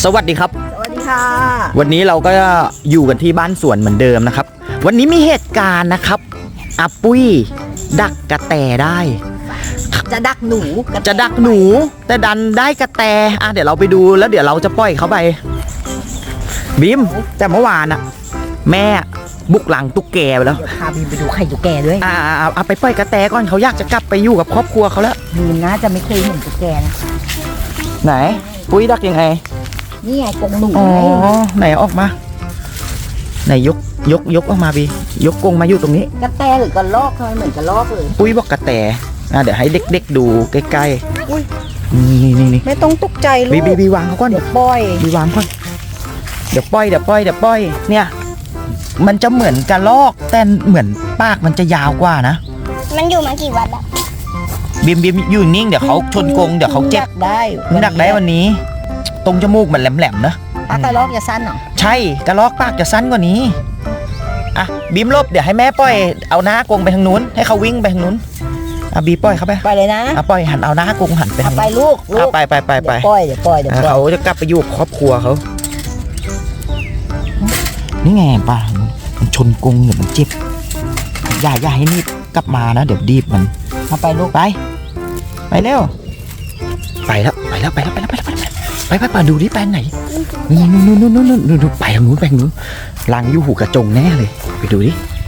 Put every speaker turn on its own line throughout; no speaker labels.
สวัสดีครับ
สวัสดีค่ะ
วันนี้เราก็อยู่กันที่บ้านสวนเหมือนเดิมนะครับวันนี้มีเหตุการณ์นะครับอาปุ้ยดักกระแตได้
จะดักหนู
แต่ดันได้กระแตเดี๋ยวเราไปดูแล้วเดี๋ยวเราจะปล่อยเขาไปบีมแต่เมื่อวานอะแม่บุกหลังตุ๊กแกไปแล้ว
เดี๋ยวพาบีมไปดูไข่ตุ๊กแกด้วย
เอาไปปล่อยกระแตก่อนเขาอยากจะกลับไปอยู่กับครอบครัวเขาแล้ว
บีมน่าจะไม่เคยเห็นตุ๊กแกนะ
ไหนปุ้ยดักยังไง
นี่ไงกรงหนู
ไหนออกมาไหนยกออกมาบียกกรงมาอยู่ตรงนี้
กระแตหรือกระรอกทำไมเหมือนกระรอกเลย
ปุ้ยบอกกระแตเดี๋ยวให้เด็กๆดูใกล้ๆนี่
ไม่ต้องตกใจลูก
บีวางเขาก่อน
เดี๋ยวปล่อย
บีวางก่อนเดี๋ยวปล่อยเนี่ยมันจะเหมือนกระรอกแต่เหมือนปากมันจะยาวกว่านะ
มันอยู่มากี่วันแล้ว
บีมอยู่นิ่งเดี๋ยวเขาชนกรงเดี๋ยวเขาเจ็บดักได้วันนี้ตรงจมูกมันแหลมๆนะ
กระรอกจะสั้นเหรอ
ใช่กระรอกปากจะสั้นกว่านี้บีมลบเดี๋ยวให้แม่ปล่อยเอาหน้ากรงไปทางนู้นให้เขาวิ่งไปทางนู้นบีปล่อยเขา
ไปเลยนะ
ปล่อยหันเอาหน้ากรงหันไปทาง
ไปลูก
ไป
เดี๋ยวปล่อย
เขาจะกลับไปอยู่ครอบครัวเขานี่ไงป่ะมันชนกรงเดี๋ยวมันเจ็บอย่าให้นี่กลับมานะเดี๋ยวดีบมัน
เอาไปลูก
ไปเร็วไปแล้วไปดูดิไปไหนนู่นไปทางนู้นลังอยู่หูกระจงแน่เลยไปดูดิ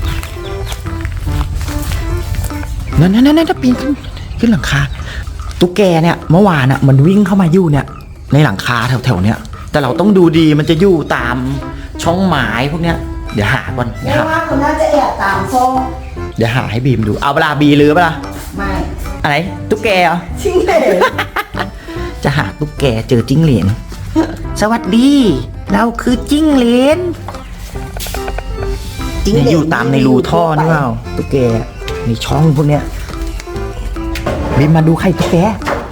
นั่นปีนขึ้นหลังคาตุ๊กแกเนี่ยเมื่อวานมันวิ่งเข้ามาอยู่เนี่ยในหลังคาแถวๆเนี่ยแต่เราต้องดูดีมันจะอยู่ตามช่องไม้พวกเนี้ยเดี๋ยวหาก่อน
ว่าคนน่าจะแอบตามโซ่
เดี๋ยวหาให้บีมดูเอาเวลาบีหรือเปล่า
ไม่
อะไรตุ๊กแกเหรอ
จิ้งเหลน
จะหาตุ๊กแกเจอจิ้งเหลนสวัสดีเราคือจิ้งเหลนอยู่ตามในรูท่อนี่เปล่าตุ๊กแกในช่องพวกเนี้ยบีมมาดูไข่ตุ๊กแก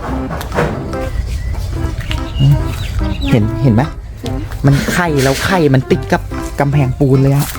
เห็นไหมมันไข่แล้วไข่มันติดกับกำแพงปูนเลยอะ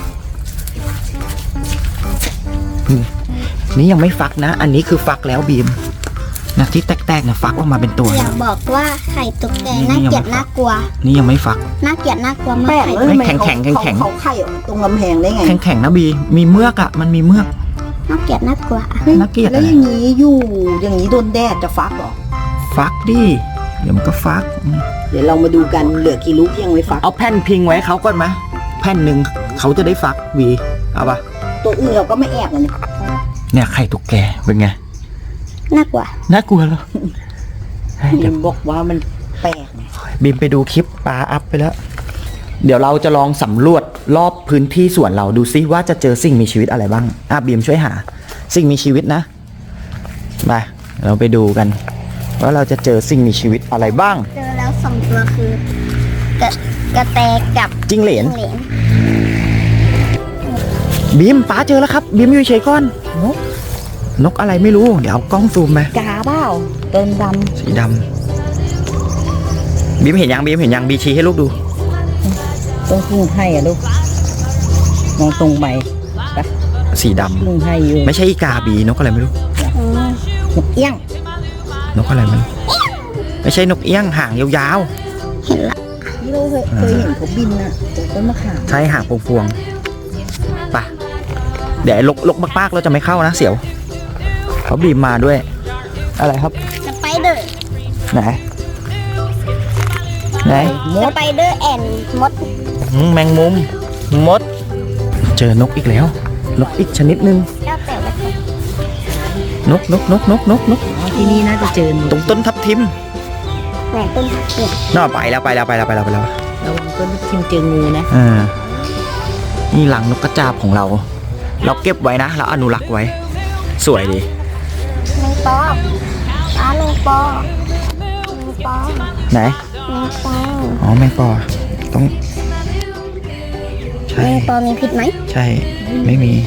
นี่ยังไม่ฟักนะอันนี้คือฟักแล้วบีมนะที่แตกๆนะฟักออกมาเป็นตัว
อยากบอกว่าไข่ตุ๊กแกน่าเกลียดน่ากลัว
นี่ยังไม่ฟัก
น่าเกลียดน่ากลัวมาก
แข็ง
เขาไข่ตรงกำแพงได้ไง
แข็งนะบีมีเมือกมันมีเมือก
น่าเกลียดน่ากลัว
น่าเกลียด
แล้วอย่างนี้โดนแดดจะฟักหรอ
ฟักดิเดี๋ยวมันก็ฟัก
เดี๋ยวเรามาดูกันเหลือกี่ลูกยังไม่ฟัก
เอาแผ่นพิงไว้เขาก่อนไหมแผ่นหนึ่งเขาจะได้ฟักบีเอาปะ
ตัวอื่นเราก็ไม่แอบเลย
เนี่ยไข่ตุ๊กแกเป็นไง
น่ากลัว
แล้ว
บีมบอกว่ามันแปลก
บีมไปดูคลิปปลาอัพไปแล้วเดี๋ยวเราจะลองสำรวจรอบพื้นที่สวนเราดูซิว่าจะเจอสิ่งมีชีวิตอะไรบ้างบีมช่วยหาสิ่งมีชีวิตนะมาเราไปดูกันว่าเราจะเจอสิ่งมีชีวิตอะไรบ้าง
เจอแล้ว2ตัวคือกระแตกับ
จิ้งเหลนบีมป้าเจอแล้วครับบีมอยู่เฉยก่อนนกอะไรไม่รู้เดี๋ยวเอากล้องซูมไป
กาเปล่าเต็มด
ำสีดำบีมเห็นยังบีชี้ให้ลูกดู
ต้องพึ่งให้ลูกมองตรงไป
สีดำ
พึ่งให้อยู่
ไม่ใช่อีกาบีนกอะไรไม่รู้
นกเอี้ยง
นกอะไรมันไม่ใช่นกเอี้ยงหางยาว
ๆเห็นละ
นี่เราเคยเห็นเขาบินนะต้นมะขาม
ใช่หางพวงๆป่ะเดี๋ยวลกมากๆเราจะไม่เข้านะเสียวเขาบีมมาด้วยอะไรครับ
สไปเดอร์
ไหน
สไปเดอร์แอนมด
แมงมุมมดเจอนกอีกแล้วนกอีกชนิดนึงนก
ที่นี่น่าจะเจอ
ตรงต้นทับทิม
แต่ต้นทับทิม
น่าไปแล้ว
ระวังต้นทับทิมเจองูนะ
นี่หลังนกกระจาบของเราเก็บไว้นะเราอนุรักษ์ไว้สวยดี
แมงปอแมงปอ
ไหนแมงปอต้อง
ใช่แมงปอมีพิษไหม
ใช่ไม่มี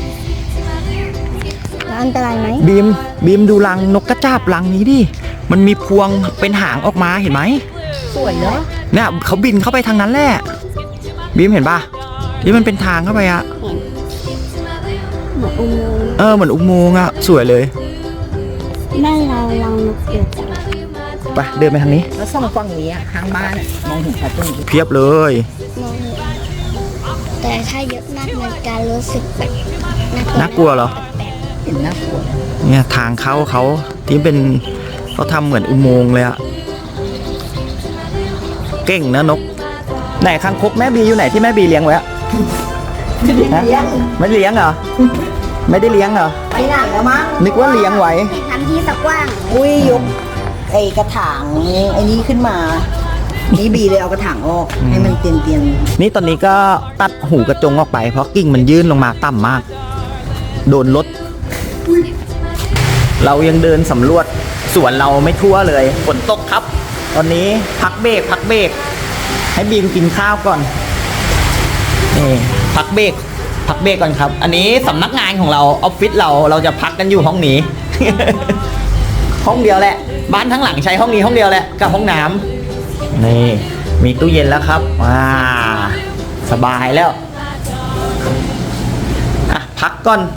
อันตรายไหม
บีมดูรังนกกระจาบรังนี้ดิมันมีพวงเป็นหางออกมาเห็นไหม
สวยเนาะ
เนี่ยเขาบินเข้าไปทางนั้นแหละบีมเห็นป่ะที่มันเป็นทางเข้าไปอะ
เหมือนอุโมงค์
เหมือนอุโมงค์อะสวยเลย
ได้เรานกเกี่ยวจัง
ไปเดินไปทางนี้
แล้วส่องฝั่งนี้อะข้างบ้านอะมองเห็นชัดตรงนี้
เพียบเลย
มองแต่ถ้าเยอะมากมันการรู้สึกแบบ
น่ากลัวเหรอ
เห็นน่ากลัว
เนี่ยทางเข้าเขาที่เป็นเขาทำเหมือนอุโมงค์เลยอะเก่งนะนกไหนคางคกแม่บีอยู่ไหนที่แม่บีเลี้ยงไว้อะฮะไม่ได้เลี้ยงเหรอไม่ได้เลี้ยงเหรอ
ไปไหนแล้วมั้ง
นึกว่าเลี้ยงไว้
ให้ทำที่สักว่าง
อุ้ยยกไอ้กระถางไอ้นี้ขึ้นมา นี่บีเลยเอากระถางออก ให้มันเตียน
นี่ตอนนี้ก็ตัดหูกระจงออกไปเพราะกิ่งมันยื่นลงมาต่ำมาก โดนรถเรายังเดินสำรวจสวนเราไม่ทั่วเลยฝนตกครับ ตอนนี้พักเบรกให้บีมกินข้าวก่อนนี่พักเบรกก่อนครับ อันนี้สำนักงานของเราออฟฟิศเราจะพักกันอยู่ห้องนี้ ห้องเดียวแหละ บ้านทั้งหลังใช้ห้องนี้ห้องเดียวแหละกับห้องน้ำนี่มีตู้เย็นแล้วครับสบายแล้วอ่ะพักก่อน